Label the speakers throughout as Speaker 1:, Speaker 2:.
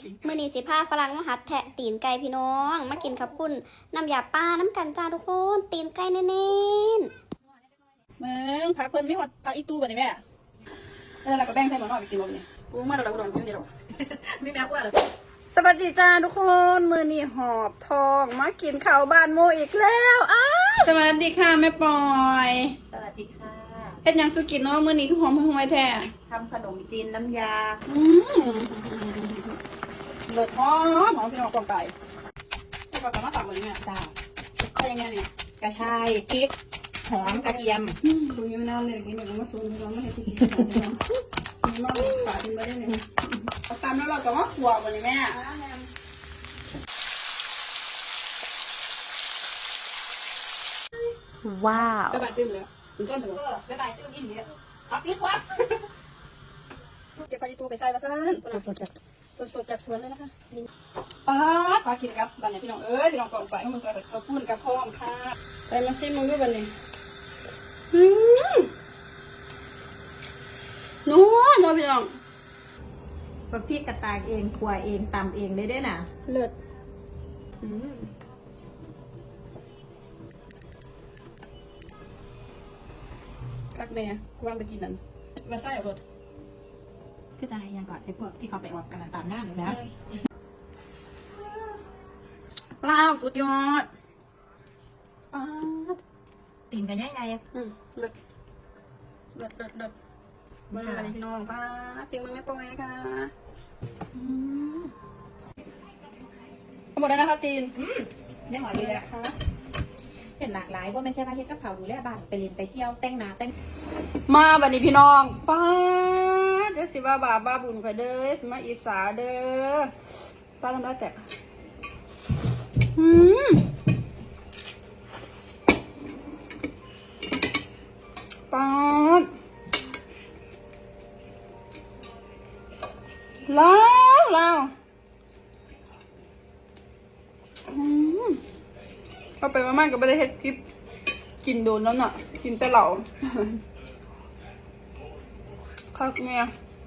Speaker 1: มื้อนี้สิพาฝรั่งมาหัดแทะตีนไก่พี่น้องมากินขับปุ้นน้ำยาป้าน้ำกันจ้าทุกคนตีนไก่เน้นๆ
Speaker 2: มึงพักเพิ่นไม่หอดพักอีตู้บ่นี่แม่แล้วเราก็แบ่งใส่หม้อหน่อยไปกินบ่นี่กูมาเราอุดรกูเดียวไม่แม่กว่าเลยสวัสดีจ้าทุกคนมื้อนี้หอบทองมากินข้าวบ้านโมอีกแล้วสวัสดีค่ะแม่ปอย
Speaker 3: สวัสดีค่ะ
Speaker 2: เฮ็ดหยังสุกินเนาะมื้อนี้คือหอมห่วยแท้
Speaker 3: ทำขนมจีนน้ำยา
Speaker 2: เลิศหอมหอมพี่น้องกองไก่แล้วก็มาตักเลยเนี่ย
Speaker 3: จ้า
Speaker 2: ใช่ยังไงเนี่ย
Speaker 3: กระชายพริกหอมกระเทียม
Speaker 2: ดูยิ้มน้ำเลยกินแบบมาซูนพี่น้องไม่ให้ที่กินพี่น้องมีมากฝากินไปได้เลยเอาตามแล้วเราก็มาขัวบ่นี่แม่
Speaker 1: ว้าว
Speaker 2: ไปบ้านตื้มเลยถึงต้นถึง
Speaker 3: บ๊ายบายเจ้ากินเนี่ยเอาพริกวะ
Speaker 2: เก็บไปตู้ไปใส่มาซะสดจากสวนเลยนะคะปลากินครับบ้านเนี่ยพี่น้องพี่น้องก่อนไปให้มันใส่ข้าวปุ้นกับพร้อมค่ะไปมาซิมึงด้วยบ้านนี้นัวพี่น้อง
Speaker 3: กับพริกกระตากเองขัวเองตำเองได้ด้วยนะ
Speaker 2: เลิศกักแม่กวางไปกินนั่นมาใส่เอารถ
Speaker 3: คือจะให้ยังก่อนไอ้พวกที่เขาไปออกกันตามหน้าหนูนะ
Speaker 2: ว้าวสุดยอดป้า
Speaker 3: ตีนกันยังไง
Speaker 2: เลิศมาอะไรพี่น้องป้าเสียงมันไม่ปล่อยนะคะหมดแล้วนะคะตีน
Speaker 3: ยังหวานอยู่เลยค่ะเป็นหลากหลายว่าไม่ใช่ว่าเฮ็ดกับเขาดูแลบ้านไปเรียนไปเที่ยวแต่งหน้าแต่ง
Speaker 2: มาบัดนี้พี่น้องป้าเดี๋ยวสิว่าบาบ้าบุญไปเด้อสิมาอีสาเด้อป้าทำได้แตกป้าแล้วเอาไปมากๆก็ไม่ได้เฮ็ดคลิปกินโดนแล้วน่ะกินแต่เหล่าครับเนี่ย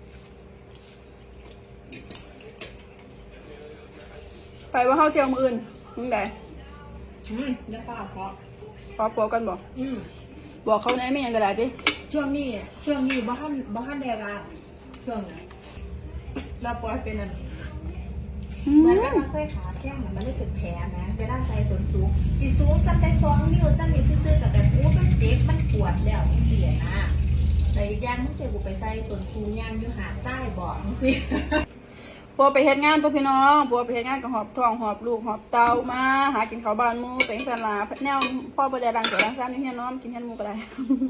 Speaker 2: ไปว่าเข้าเที่ยวมืออื่นมึงไหน
Speaker 3: เดี๋ยวป้าขอ
Speaker 2: ขอปัวกันบอกบอกเขาไหนไม่ยังกระดาษดิ
Speaker 3: ช่วงนี้บ้านเดราช่วงไหนเราปล่อยเป็นอะไรเหมือนกับมันเคยขาแข้งมันเลยเป็นแผลนะเวลาใส่ส้นสูงสีสูงซ้ำได้2 นิ้วซ้ำนี่ซื่อๆกับแบบโอ้มันเจ็บมันปวดแล้วมันเสียนะแต่อีกอย่างมันเจ็บกูไปใส่ส้นสูงย่างอยู่หาใต้บอกมันสิ
Speaker 2: ปัวไปเฮ็ดงานตัวพี่น้องปัวไปเฮ็ดงานกับหอบท้องหอบลูกหอบเตามาหากินข้าวบ้านหมูไปสลาแนวพ่อประเดี๋ยวรังเดี๋ยวรังซ้ำนี่เฮียน้อมกินเฮียนหมูก็ได้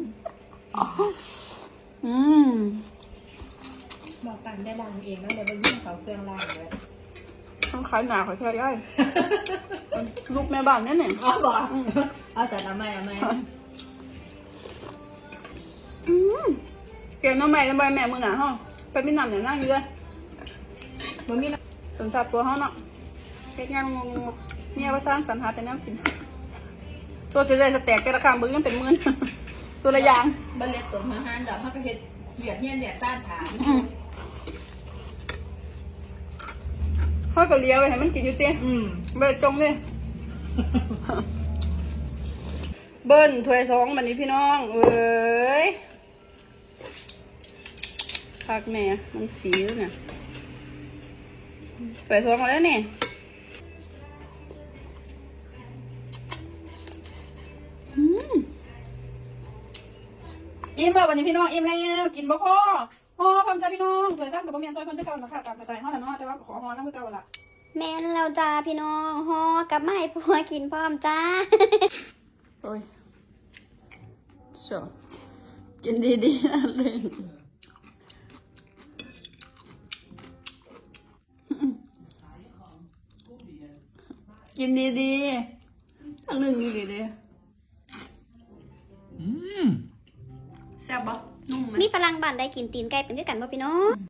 Speaker 3: บอกกันได้ล้างเองนะเดี๋ยวไปยื่นเขาเครื่องล้างเลย
Speaker 2: ต้องขายหนาขอใช้ได้ ลูกแม่บ้านเนี่ยเนี่ย
Speaker 3: อ๋อบอกเอาใส่น้ำไหม
Speaker 2: เกี่ยวน้องแม่จะไปแม่มือหนาห้องไปมีน้ำเนี่ยนั่งอยู่เลย
Speaker 3: มันมี
Speaker 2: สนใจตัวห้องเนาะเฮ็ดงานงงเนี่ยว่าสร้างสรรหาแต่แนวกินตัวจะได้สแต็กแต่ละคำบึ้งยังเป็นหมื่น ตัวละอย่าง
Speaker 3: บัลเล็ตตัวมาห้านดอกเขาก็เฮ็ดเหยียดเนี่ยเหยียดต้านฐาน
Speaker 2: เขาก็เลี้ยวไปให้มันกินอยู่เตี้ยเบิดจงเลยเบิ้ลถ้วยสองบันนี้พี่น้องเอ้ยคักแม่มันสีเนี่ยถ้วยสองมาแล้วนี่อิ่มแล้ววันนี้พี่น้องอิ่มแล้วกินบ่พอพร้อมจ้าพี่น้องถ้วยซ้ำกับบ่เมียนซอยเพิ่นคือเก่านะคะตามสไตล์เฮาแหละเนาะแต่ว่าก็ขอฮอน้ำคือเก่าล่ะ
Speaker 1: แม่นเราจ้าพี่น้องฮอกลับมาให้ผัวกินพร้อมจ้า
Speaker 2: โอ้ยชอบกินดีๆนะเลยกินดีๆทั้งหนึ่งดีๆแซ่บปะนุ่มไหม
Speaker 1: มีฝรั่งบ้านได้กินตีนไก่เป็นด้วยกันป่ะพี่น้อง